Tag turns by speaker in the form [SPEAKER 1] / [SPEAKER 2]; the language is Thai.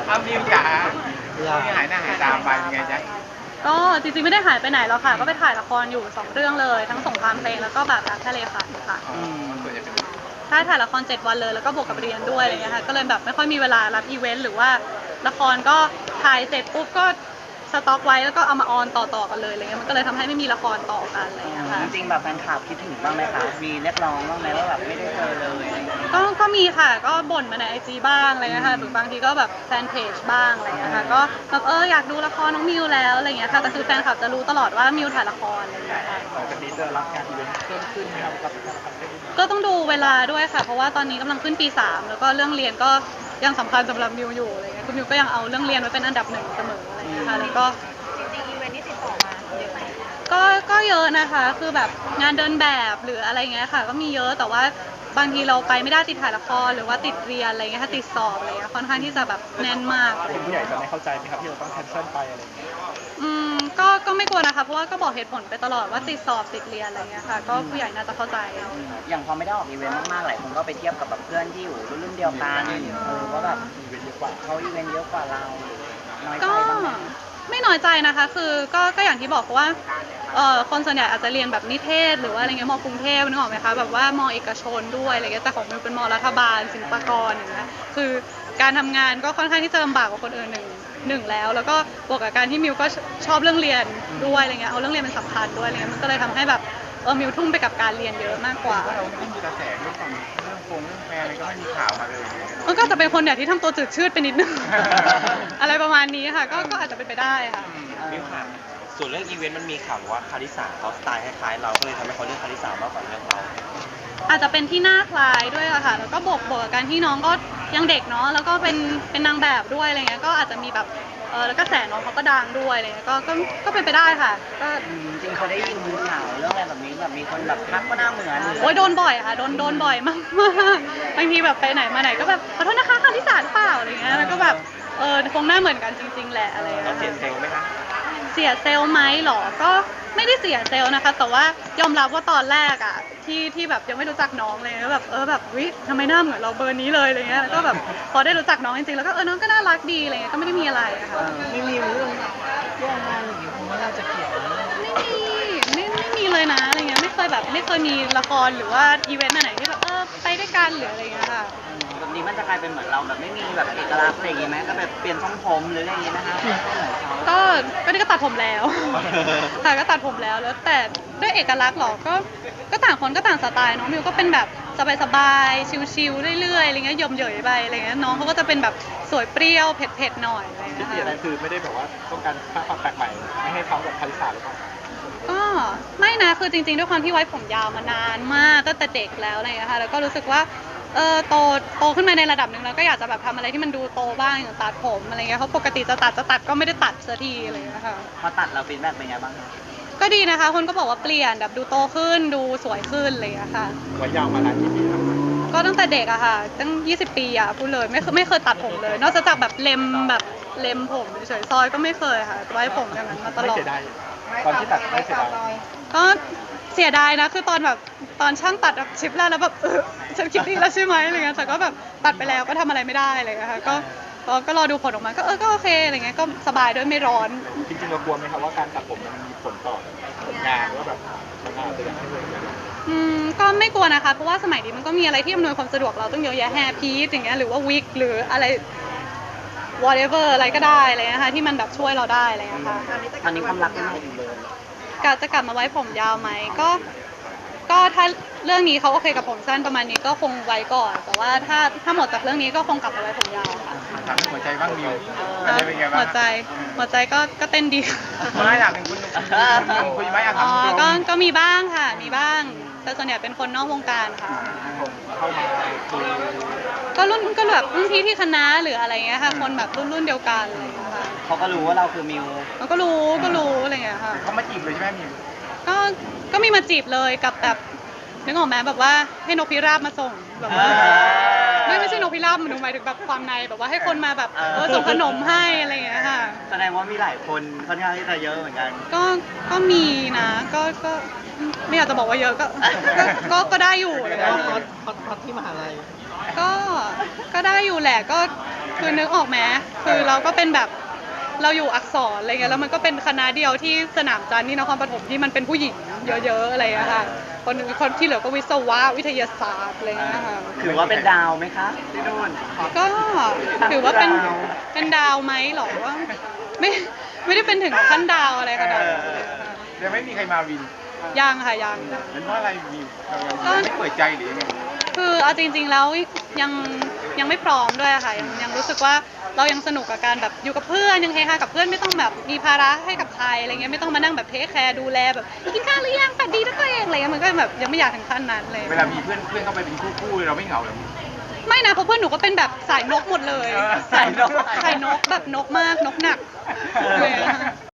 [SPEAKER 1] เอามิวจ๋าที่หายหน้าหายตาไปเป็นไงจ๊ะ
[SPEAKER 2] ก็จริงๆไม่ได้หายไปไหนหรอกค่ะก็ไปถ่ายละครอยู่2 เรื่องเลยทั้งสงครามเพลงแล้วก็แบบรักทะเลฝันค่ะ
[SPEAKER 1] ส่วนใหญ่เป็น
[SPEAKER 2] ใช่ถ่ายละคร7 วันเลยแล้วก็บวกกับเรียนด้วยอะไรเงี้ยค่ะก็เลยแบบไม่ค่อยมีเวลารับอีเวนต์หรือว่าละครก็ถ่ายเสร็จปุ๊บก็สต็อกไว้แล้วก็เอามาออนต่อๆกันเลยอะไรเงี้ยมันก็เลยทำให้ไม่มีละครต่อกันอะไรเงี้ยค่ะ
[SPEAKER 3] จริงๆแบบแฟนคลับคิดถึงบ้างไหมคะมีเรียกร้องบ้างไหมว่าแบบไม่ได้เจอเลยอะไรอย่างเงี้ย
[SPEAKER 2] ก็มีค่ะก็บ่นมาในIGบ้างอะไรเงี้ยค่ะหรือบางทีก็แบบแฟนเพจบ้างอะไรเงี้ยค่ะก็แบบอยากดูละครน้องมิวแล้วอะไรเงี้ยค่ะแต่คือแฟนคลับจะรู้ตลอดว่ามิวถ่ายละครอะไรเงี้ยค่ะ
[SPEAKER 1] ปกติจะรับงานอีเวนต์เพิ่มขึ้นไหมครับกับ
[SPEAKER 2] ก็ต้องดูเวลาด้วยค่ะเพราะว่าตอนนี้กำลังขึ้นปี3แล้วก็เรื่องเรียนก็ยังสำคัญสำหรับมิวอยู่อะไรเงี้ยคือมิวก็ยังเอาเรื่องเรียนไว้เป็นอันดับ1เสมออะไรเงี้ยค่ะแล้วก็
[SPEAKER 4] จริงๆอีเวนต์ที่ติดต่อมาเยอะไหม
[SPEAKER 2] ก็เยอะนะคะคือแบบงานเดินแบบหรืออะไรเงี้ยค่ะก็มีเยอะแต่ว่าบางทีเราไปไม่ได้ติดถ่ายละครหรือว่าติดเรียนอะไรเงี้ยค่ะติดสอบอะไรเงี้ยค่อนข้างที่จะแบบแน่นมาก
[SPEAKER 1] คุณผู้ใหญ่จะไม่เข้าใจไหมครับที่เราต้องแคนเซิลไปอะไรอย่างเงี้ย
[SPEAKER 2] ก็ไม่กลัวนะคะเพราะว่าก็บอกเหตุผลไปตลอดว่าติดสอบติดเรียนอะไรเงี้ยค่ะก็ผู้ใหญ่น่าจะเข้าใจ
[SPEAKER 3] อย่างพอไม่ได้ออกอีเวนต์มากๆหลายคนก็ไปเทียบกับแบบเพื่อนที่อยู่รุ่นเดียวกันว่าแบบ
[SPEAKER 1] อีเวนต์เยอะกว่า
[SPEAKER 3] เขาอีเวนต์เยอะกว่าเราน้อยใจ
[SPEAKER 2] ก็
[SPEAKER 3] บ้างไหม
[SPEAKER 2] ไม่น้อยใจนะคะคือก็อย่างที่บอกว่าคนส่วนใหญ่อาจจะเรียนแบบนิเทศหรือว่าอะไรเงี้ยม.กรุงเทพนึกออกไหมคะแบบว่าม.เอกชนด้วยอะไรเงี้ยแต่ของมิวเป็นม.รัฐบาลศิลปากรอย่างเงี้ยคือการทำงานก็ค่อนข้างที่จะลำบากกว่าคนอื่นหนึ่งแล้วก็บวกกับการที่มิวก็ชอบเรื่องเรียนด้วยอะไรเงี้ยเอาเรื่องเรียนเป็นสำคัญด้วยอะไรเงี้ยมันก็เลยทำให้แบบมิวทุ่มไปกับการเรียนเยอะมากกว่า
[SPEAKER 1] เราไม่มีกระแสเรื่องของเรื่องแฟนอะไรก็ไม่มีข่าวมาเลย
[SPEAKER 2] มันก็จะเป็นคนเนี่ยที่ทำตัวจืดชืดไปนิดนึง อะไรประมาณนี้ค่ะก็อาจจะเป็นไปได้ค่ะ
[SPEAKER 5] มิวค่ะส่วนเรื่องอีเวนต์มันมีข่าวว่าคาริสาเขาสไตล์คล้ายๆเราก็เลยทำให้เขาเลือกคาริสามากกว่าเลือกเรา
[SPEAKER 2] อาจจะเป็นที่หน้าคล้ายด้วยอะค่ะแล้วก็บวกกับการที่น้องก็ยังเด็กเนาะแล้วก็เป็นนางแบบด้วยอะไรเงี้ยก็อาจจะมีแบบแล้วก็แสน้องเขาก็ดังด้วยอะไรเงี้ยก็เป็นไปได้ค่ะก็
[SPEAKER 3] จริงเขาได้ยินข่าวเรื่องอะไรแบบนี้แบบมีคนแบบทักว่าหน้าเหมือน
[SPEAKER 2] โอ้ยโดนบ่อยค่ะโดนบ่อยมากบางทีแบบไปไหนมาไหนก็แบบขอโทษนะคะคาริสาหรือเปล่าอะไรเงี้ยแล้วก็แบบคงหน้าเหมือนกันจริงๆแหละอะไรเงี้ย
[SPEAKER 5] เราเสียเซลล์ไหมคะ
[SPEAKER 2] เสียเซลล์ไหมหรอก็ไม่ได้เสียเซลล์นะคะแต่ว่ายอมรับว่าตอนแรกอะที่แบบยังไม่รู้จักน้องเลยแล้วแบบแบบวิทำไมหน้าเหมือนเราเบอร์นี้เลยอะไรเงี้ยแล้วก็แบบพอได้รู้จักน้องจริงๆแล้วก็น้องก็น่ารักดีอะไรเงี้ยก็ไม่ได้มีอะไรอะค่ะ
[SPEAKER 3] ไม่มีเรื่องแย่งงานอย่างนี้คงไม่น่าจะเกี่ยว
[SPEAKER 2] ไม่มีเลยนะอะไรเงี้ยไม่เคยมีละครหรือว่าอีเวนต์ไหนที่แบบไปด้วยกันหรืออะไรเงี้ยค่ะ
[SPEAKER 3] แบบนี้มันจะกลายเป็นเหมือนเราแบบไม่มีแบบเอกลักษณ์อะไรอย่างงี้ไหมก็แบบเปลี่ยนทรงผมหรืออะไรอย่างงี้นะคะ
[SPEAKER 2] ก็นี่ก็ตัดผมแล้วค่ะก็ตัดผมแล้วแต่ด้วยเอกลักษณ์หรอก็ต่างคนก็ต่างสไตล์น้องมิวก็เป็นแบบสบายๆชิลๆเรื่อยๆอะไรเงี้ยยมเหยยไปอะไรเงี้ยน้องเขาก็จะเป็นแบบสวยเปรี้ยวเผ็ดๆหน่อยอะไรเงี้ย
[SPEAKER 1] ที่อะไรคือไม่ได้แบบว่าต้องการสร้างความแปลกใหม่ไม่ให้เขาแบบคาริสาหรือเปล่า
[SPEAKER 2] ก็ไม่นะคือจริงๆด้วยความที่ไว้ผมยาวมานานมากตั้งแต่เด็กแล้วอะไรเงี้ยค่ะแล้วก็รู้สึกว่าโตขึ้นมาในระดับหนึ่งแล้วก็อยากจะแบบทำอะไรที่มันดูโตบ้างอย่างตัดผมอะไรเงี้ยเขาปกติจะตัดก็ไม่ได้ตัดสักทีอะไรเงี้ยค่ะ
[SPEAKER 3] พอตัดเราฟีดแบ็กเป็นไงบ้างคะ
[SPEAKER 2] ก็ดีนะคะคนก็บอกว่าเปลี่ยนแบบดูโตขึ้นดูสวยขึ้นอะไรเงี้ยค่ะ
[SPEAKER 1] ไว้ยาวมานานกี่ปีครับ
[SPEAKER 2] ก็ตั้งแต่เด็กอะค่ะตั้ง20 ปีอะพูดเลยไม่เคยตัดผมเลยนอกจากแบบเล็มผมเฉยๆซอยก็ไม่เคยค่ะไว้ผมอย่างนั้นมาตลอด
[SPEAKER 1] ไม่เสียดายตอนที่ตัดไม่เสียดาย
[SPEAKER 2] ก็เสียดายนะคือตอนช่างตัดแบบชิปแรกแล้วแบบฉันคิดดีแล้วใช่ไหมอะไรเงี้ยแต่ก็แบบตัดไปแล้วก็ทำอะไรไม่ได้อะไรเงี้ยค่ะก็รอดูผลออกมาก็โอเคอะไรเงี้ยก็สบายด้วยไม่ร้อน
[SPEAKER 1] จริงๆเรากลัวไหมครับว่าการตัดผมมันมีผลต่องานว่าแบบมันอาจจะยังไม่เหมือนกัน
[SPEAKER 2] ก็ไม่กลัวนะคะเพราะว่าสมัยนี้มันก็มีอะไรที่อำนวยความสะดวกเราต้องเยอะแยะแฮร์พีซอย่างเงี้ยหรือว่าวิกหรืออะไร whatever อะไรก็ได้อะไรเงี้ยค่ะที่มันแบบช่วยเราได้อะไรเงี้ยค่ะ
[SPEAKER 3] ตอนนี้ความรักยังไงอยู่เลย
[SPEAKER 2] จะกลับมาไว้ผมยาวไหมก็ถ้าเรื่องนี้เขาโอเคกับผมสั้นประมาณนี้ก็คงไว้ก่อนแต่ว่าถ้าหมดจากเรื่องนี้ก็คงกลับมาไว้ผมยาวค่ะ
[SPEAKER 1] ถามหัวใจบ้างมิวเป็นไงบ้าง
[SPEAKER 2] หัวใจก็เต้นดี
[SPEAKER 1] ไม่อยากเป็นคุณคุยไหมอยากถาม
[SPEAKER 2] ก็มีบ้างค่ะมีบ้างแต่ส่วนใหญ่เป็นคนนอกวงการค่ะ
[SPEAKER 1] เข้ามา
[SPEAKER 2] ก็แบบรุ่นพี่ที่คณะหรืออะไรเงี้ยค่ะคนแบบรุ่นเดียวกันอะไรอย่างเงี้ยค่ะ
[SPEAKER 3] เขาก็รู้ว่าเราคือมิว
[SPEAKER 2] ก็รู้อะไรเงี้ยค่ะ
[SPEAKER 1] เขามาจีบเลยใช่ไหมมิว
[SPEAKER 2] ก็มีมาจีบเลยกับแบบนึกออกไหมแบบว่าให้นกพิราบมาส่งแบบว่าไม่ใช่นกพิราบมันหมายถึงแบบความในแบบว่าให้คนมาแบบส่งขนมให้อะไรอย่างเงี้ยค่ะ
[SPEAKER 3] แสดงว่ามีหลายคนค่อนข้างที่จะเยอะเหมือนกัน
[SPEAKER 2] ก็มีนะก็ไม่อยากจะบอกว่าเยอะก็ได้อยู่เลยนะ
[SPEAKER 3] ฮอตที่มหาลัย
[SPEAKER 2] ก็ได้อยู่แหละก็คือนึกออกไหมคือเราก็เป็นแบบเราอยู่อักษรอะไรเงี้ยแล้วมันก็เป็นคณะเดียวที่สนามจันทร์ที่นครปฐมที่มันเป็นผู้หญิงเยอะๆอะไรอย่างเงี้ยค่ะคนที่เหลือก็วิศวะวิทยาศาสตร์อะไรเงี้ยค่ะ
[SPEAKER 3] ถือว่าเป็นดาวไหมคะที่นู่น
[SPEAKER 2] ก็ถือว่าเป็นดาวไหมหรอว่าไม่ได้เป็นถึงขั้นดาวอะไรขนาดนั้นเลยค่ะ
[SPEAKER 1] ยังไม่มีใครมาวิน
[SPEAKER 2] ยังค่ะยัง
[SPEAKER 1] เป็นเพราะอะไรมีเรา
[SPEAKER 2] ก็
[SPEAKER 1] ไม่เปิดใจหรือยังไง
[SPEAKER 2] คือเอาจริงๆแล้วยังไม่พร้อมด้วยอะค่ะยังรู้สึกว่าเรายังสนุกกับการแบบอยู่กับเพื่อนยังเฮฮากับเพื่อนไม่ต้องแบบมีภาระให้กับใครอะไรเงี้ยไม่ต้องมานั่งแบบเทคแคร์ดูแลแบบกินข้าวหรือยังฝันดีนะตัวเองอะไรเงี้ยมันก็แบบยังไม่อยากถึงขั้นนั้นเลย
[SPEAKER 1] เวลามีเพื่อนเข้าไปเป็นคู่เราไม่เหงาหรอ
[SPEAKER 2] ไม่นะเพราะเพื่อนหนูก็เป็นแบบสายนกหมดเลย
[SPEAKER 1] สายนก
[SPEAKER 2] สายนกแบบนกมากนกหนักเลยอะ